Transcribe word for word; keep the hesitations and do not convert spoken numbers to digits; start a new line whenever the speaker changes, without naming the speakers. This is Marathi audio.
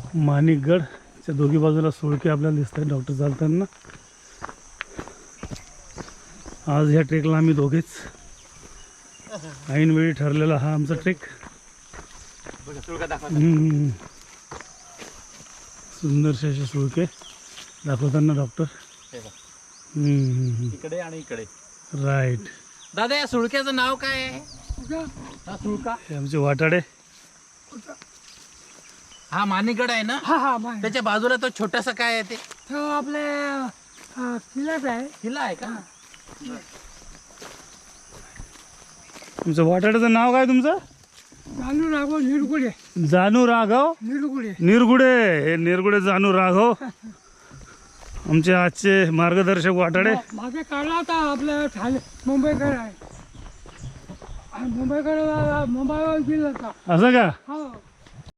माणिकगडच्या दोघी बाजूला सुळके आपल्याला दिसत आहेत डॉक्टर चालताना. आज ह्या ट्रेकला आम्ही दोघेच ऐनवेळी ठरलेला हा आमचा ट्रेक. हम्म. सुंदरसे असे सुळके दाखवताना डॉक्टर. हम्म.
इकडे आणि इकडे.
राईट.
दादा या सुळक्याचं नाव काय आहे? हा सुळका
हे आमचे वाटाडे.
हा माणिकगड आहे ना?
हा हा माहिती.
त्याच्या बाजूला तो छोटासा काय आहे ते?
तो आपले हा, किल्लाच आहे.
किल्ला आहे का?
तुमचं वाटाड्याचं नाव काय तुमचं?
जानू राघव निरगुडे.
जानू राघव
निरगुडे.
निरगुडे. हे निरगुडे जानू राघव आमचे आजचे मार्गदर्शक वाटाडे.
मागे काढला होता आपल्या ठाणे मुंबईकडे आहे. आणि मुंबईकडे मुंबईवर गेला होता.
असं का?
हो